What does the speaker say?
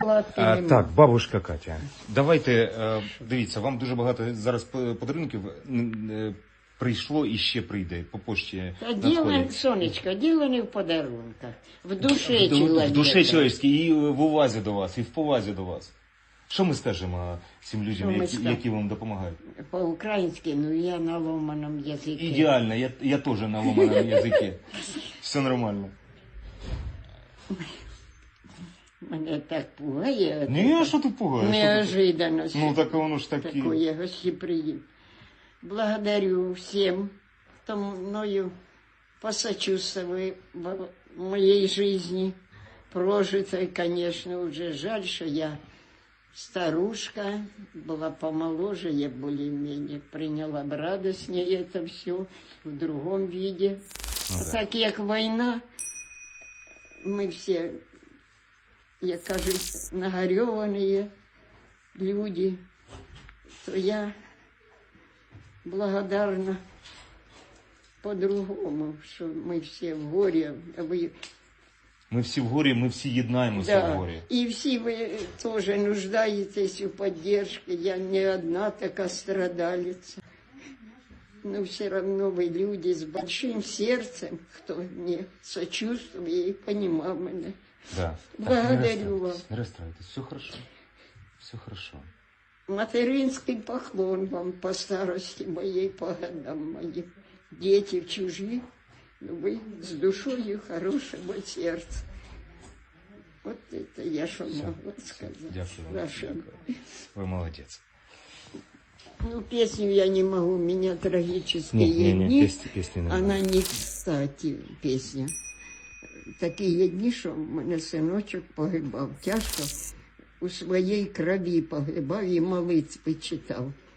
Так, бабушка Катя, давайте, дивіться, вам дуже багато зараз подарунків прийшло і ще прийде по пошті. Діло, сонечко, діло не в подарунках, в душі чоловіка. В душі чоловічській, і в увазі до вас, і в повазі до вас. Що ми скажемо цим людям, які вам допомагають? По-українськи, ну я на ломаному язикі. Ідеально, я теж на ломаному язикі. Все нормально. Мене так пугає. Ні, а що ти пугаєш? Неожиданность. Ну, так воно ж такі. Такое гостеприимство. Благодарю всем, кто мною посочувствовали в моей жизни. Прожитой, конечно, уже жаль, что я старушка, была помоложе, я более-менее приняла бы радостнее это все в другом виде. Ну, а так как война, мы все, я кажется, нагореванные люди, то я благодарна по-другому, что мы все в горе. Ми всі в горі, ми всі єднаємося в горі. И все вы тоже нуждаетесь в поддержке. Я не одна такая страдалица. Но все равно вы люди с большим сердцем, кто мне сочувствует и понимал меня. Да. Благодарю вас. Не расстраивайтесь, все хорошо. Все хорошо. Материнский поклон вам по старости моей, по годам моим. Дети чужие, но вы с душой хорошего сердца. Вот это я что могу сказать. Дякую. Вы молодец. Ну, песню я не могу, у меня трагические дни. Песни Она не кстати, песня. Такі дні, що в мене синочок погибав. Тяжко у своїй крові погибав і молитви читав.